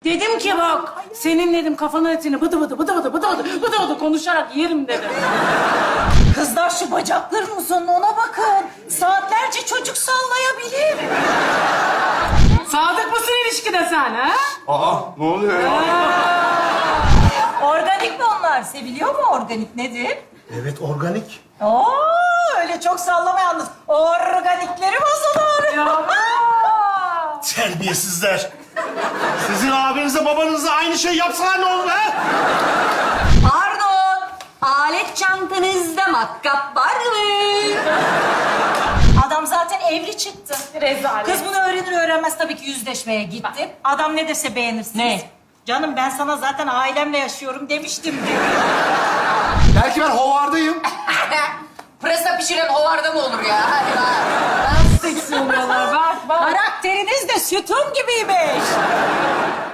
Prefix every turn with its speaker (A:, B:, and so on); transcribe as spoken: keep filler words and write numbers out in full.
A: Dedim ki bak, senin dedim kafanın etini bıdı bıdı bıdı bıdı bıdı bıdı bıdı bıdı konuşarak yerim dedim.
B: Kızlar şu bacakların uzunluğuna bakın. Saatlerce çocuk sallayabilir.
A: Sadık mısın ilişkide sen ha?
C: Aa, ne oluyor ya?
B: Organik mi onlar? Seviliyor mu organik? Nedir?
C: Evet, organik.
B: Oo, öyle çok sallama yalnız. Organikleri bozulur.
C: Terbiyesizler. Sizin abinize babanıza aynı şey yapsalar ne olur ha?
D: Pardon, alet çantanızda matkap var mı?
B: Adam zaten evli çıktı.
A: Rezalet.
B: Kız bunu öğrenir öğrenmez tabii ki yüzleşmeye gitti. Adam ne dese beğenirsiniz.
D: Ne?
B: Canım ben sana zaten ailemle yaşıyorum demiştim diyor.
C: Belki ben hovardayım.
D: Pırasa pişiren hovarda mı olur ya? Hadi bak.
A: Seksi oluyorlar bak bak.
B: Karakteriniz de sütun gibiymiş.